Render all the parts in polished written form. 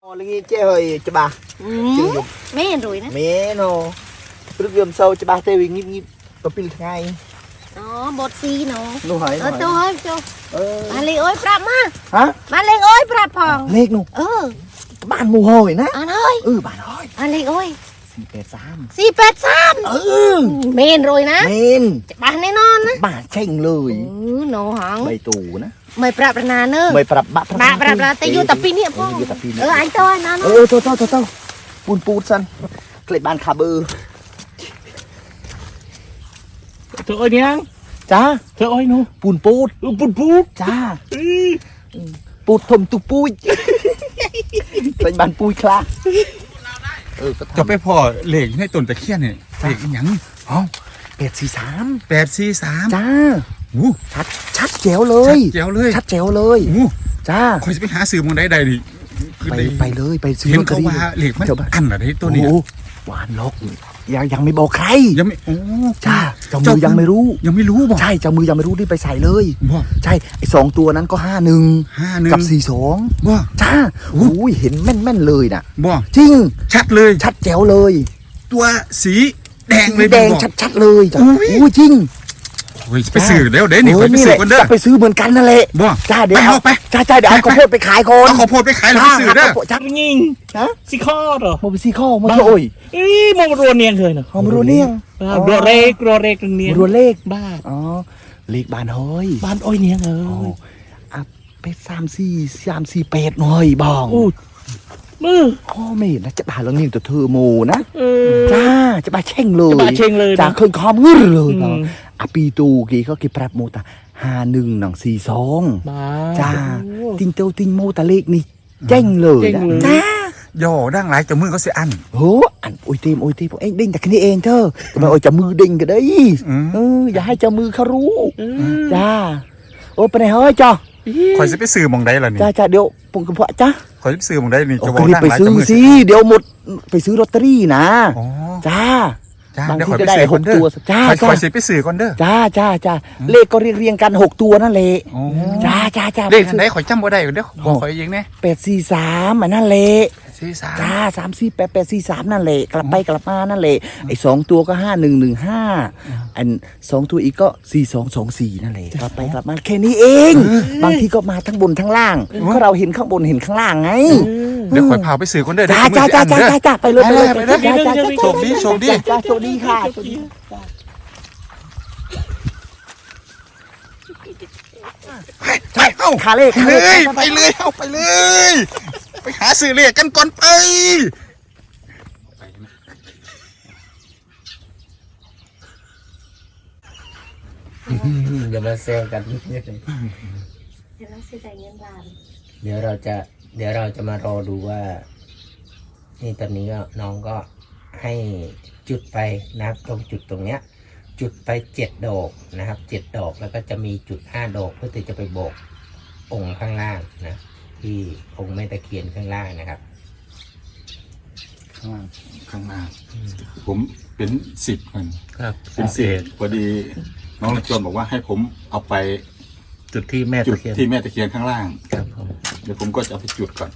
lagi chơi hơi cho bà mấy rồi đó mẹ nó lúc dầm sâu cho bà tê vì nhịp nhịp có pin ngay nó bột xì nó hỏi tôi hỏi cho bà lên ơi prap má hả bà lên ơi prap phòng lết luôn bạn mù hồi nè anh ơi bạn ơi bà lên ơi si pet sam men rồi nè men bà này non á bà chênh lời nổ hỏng bày tù nè mày prap nà nữa mày prap bà tay vô tập pin nè phong anh tôi nó thôi pun sân cái bàn khá bơ trời ơi nhang cha trời ơi nó pun cha put thầm tu pui cái bàn pui khla จะไปพอเหล็กในต้นตะเคียนเนี่ยเหล็กยังอ๋อ843จ้าอู้ชัดแจ๋วเลย ชัดแจ๋วเลยจ้าคอยจะไปหาซื้อมองได้ดิคือไปเลยไปซื้อเห็นเขาว่าเหล็กมันอันอะไรตัวนี้หวานลกยังไม่บอกใครยังไม่โอ้จ้าเจ้ามือยังไม่รู้บอกใช่เจ้ามือยังไม่รู้ที่ไปใส่เลยใช่ไอ้2ตัวนั้นก็51กับ42 บ่จ้าโอ้ยเห็นแม่นเลยน่ะบ่จริงชัดเลยชัดแจ๋วเลยตัวสีแดงเลยแดงชัดเลยจ้ะโอ้ยจริงไปซื้อเดี๋ยวนี่ไปซื้อกันเด้อไปซื้อเหมือนกันนั่นแหละจ้าเดี๋ยวเอาไปจ้าเดี๋ยวเอาข้าวโพดไปขายคนเอาข้าวโพดไปขายแล้วไปซื้อเด้อจ้ายิงนะซีข้อเหรอมาไปซีข้อมาโอ้ยมองรัวเนียงเลยเนาะมารัวเนียงรัวเรกเนียงรัวเลขบ้าอ๋อเลขบ้านเฮ้ยบ้านอ้อยเนียงอ่ะไป3-4-8หน่อยบ้องมือพ่อไม่เห็นนะจะบาแล้วนี่ตัวเธอโมนะจ้าจะบาเช่งเลยจ้าเคยคอมงื้อเลยเนาะปีตูกี่เขากี่ปรับโมตา51-42จ้าติงเต้าติงโมตาเลขนี่เจ้งเลยจ้าย่อดังไรจะมือเขาเสียอันโหอันโอ้ยเต็มเอ็งดิ้งแต่แค่นี้เองเธอทำไมโอ้ยจะมือดิ้งกันได้อย่าให้เจ้ามือเขารู้จ้าโอ้ไปไหนเฮ้ยจ้าคอยจะไปซื้อมองได้ล่ะนี่จ้าเดี๋ยวปุ่งกระเพาะจ้าคอยจะไปซื้อมองได้นี่จะบอกไปซื้อสิเดี๋ยวหมดไปซื้อลอตเตอรี่นะจ้าบางทีก็ได้6 ตัวจ้าคอยจะไปซื้อก่อนเด้อจ้าเลขก็เรียงกัน6 ตัวนั่นแหละจ้าเลขไหนคอยจำบ่ได้เด้อบอกคอยเองเนี่ย 843อันนั่นแหละจ้า348-843นั่นแหละกลับไปกลับมานั่นแหละไอ้2ตัวก็5115อัน2ตัวอีกก็4224นั่นแหละกลับไปกลับมาแค่นี้เองบางทีก็มาทั้งบนทั้งล่างก็เราเห็นข้างบนเห็นข้างล่างไงเดี๋ยวคอยพาไปซื้อก่อนเด้อจ้าไปเลยโชคดีโชคดีค่ะเอาขาเลขไปเลยเอาไปเลยไปหาซื้อเลขกันก่อนไปอย่ามาเซลกันเดี๋ยวเราจะมารอดูว่านี่ตอนนี้ก็น้องก็ให้จุดไปนะครับตรงจุดตรงเนี้ยจุดไป7 ดอกนะครับ7 ดอกแล้วก็จะมีจุด5 ดอกเพื่อที่จะไปโบกองค์ข้างล่างนะที่องค์แม่ตะเคียนข้างล่างนะครับข้างล่างผมเป็น10คนครับเป็น10พอดีน้องรัชวนบอกว่าให้ผมเอาไปจุดที่แม่ตะเคียนข้างล่างครับผมเดี๋ยวผมก็จะเอาไปจุดก่อน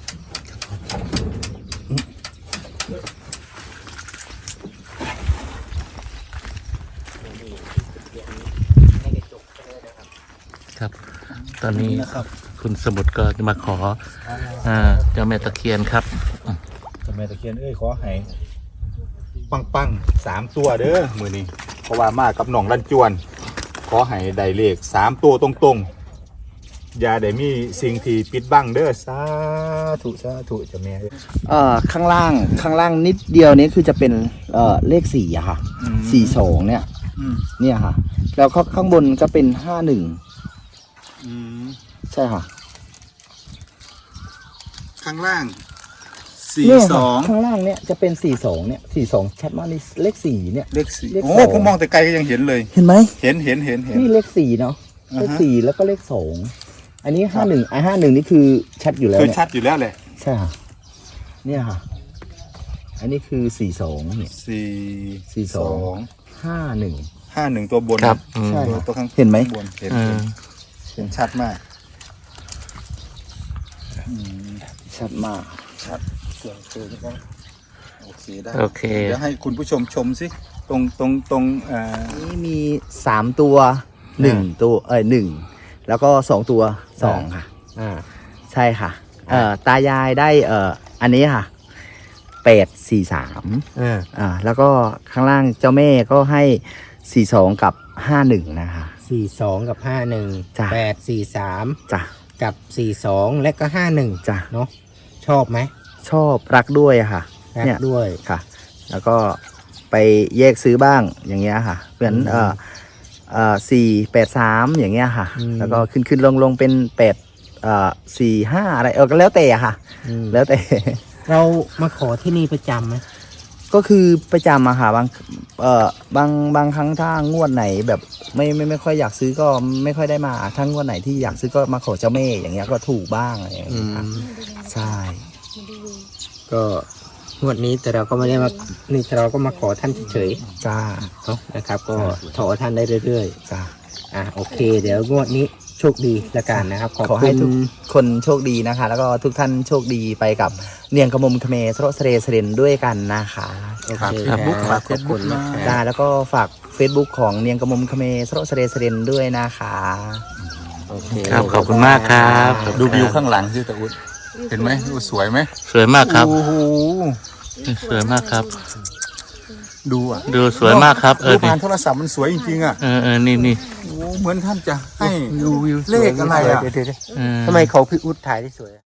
ครับตอนนี้คุณสมุทรก็จะมาขอเจ้าแม่ตะเคียนครับเจ้าแม่ตะเคียนขอให้ปัง3 ตัวเด้อมือนี้เพราะว่ามากับหนองรันจวนขอให้ได้เลข3 ตัวตรงๆอย่าได้มีสิ่งที่ปิดบังเด้อสาธุเจ้าแม่ข้างล่างนิดเดียวนี้คือจะเป็นเลข4อะค่ะ42เนี่ยค่ะแล้วข้างบนก็เป็น51ใช่ค่ะข้างล่าง42 ข้างล่างเนี่ยจะเป็น42เนี่ย42ชัดมากนี่เลข4เนี่ยเลข4โอ้ผมมองแต่ไกลก็ยังเห็นเลยเห็นไหมเห็นนี่เลข4เนาะเลข4แล้วก็เลข2อันนี้5151นี่คือชัดอยู่แล้วคือชัดอยู่แล้วแหละใช่ค่ะเนี่ยค่ะอันนี้คือ42เนี่ย42 51 ตัวบนครับใช่ตัวข้างเห็นไหมเห็นชัดมากชัดมากเสียงปืนก็โอเคได้โอเคเดี๋ยวให้คุณผู้ชมชมสิตรงนี่มี3ตัว1ตัว1แล้วก็2ตัว2ค่ะอ่าใช่ค่ะตายายได้อันนี้ค่ะ843แล้วก็ข้างล่างเจ้าแม่ก็ให้42กับ51นะคะ 42 กับ 51 จ้ะ 843 จ้ะกับ 42 และก็ 51 จ้ะเนาะชอบไหมชอบรักด้วยอะค่ะรักเนี่ยด้วยค่ะ แล้วก็ไปแยกซื้อบ้างอย่างเงี้ยค่ะเหมือน483อย่างเงี้ยค่ะ แล้วก็ขึ้นลงเป็น845อะไรก็แล้วแต่อะค่ะอืมแล้วแต่เรามาขอที่นี่ประจำไหมก็คือประจำอะค่ะบางครั้งถ้างวดไหนแบบไม่ค่อยอยากซื้อก็ไม่ค่อยได้มาถ้างวดไหนที่อยากซื้อก็มาขอเจ้าแม่อย่างเงี้ยก็ถูกบ้างอะไรอย่างเงี้ยค่ะใช่ก็งวดนี้แต่เราก็ไม่ได้มานี่เราก็มาขอท่านเฉยจ้าๆเนาะนะครับ ก็ขอท่านได้เรื่อยจ้าๆโอเค เดี๋ยวงวดนี้โชคดีละกันนะครับขอให้ทุกคนโชคดีนะคะ แล้วก็ทุกท่านโชคดีไปกับเนียงกระมมคเมสโรสเรสเรนด้วยกันนะคะโอเคครับครับขอบคุณมากจ้าแล้วก็ฝาก Facebook ของเนียงกระมมคเมสโรสเรสเรนด้วยนะคะโอเคครับขอบคุณมากครับดูวิวข้างหลังสิตะอุดเห็นไหมสวยไหมสวยมากครับโอ้โหสวยมากครับดูอ่ะดูสวยมากครับดูนี่ผ่านโทรศัพท์มันสวยจริงๆอ่ะนี่โอ้เหมือนท่านจะให้ดูวิวเลขอะไรอะเดี๋ยวเออทำไมเขาพี่อุดถ่ายได้สวย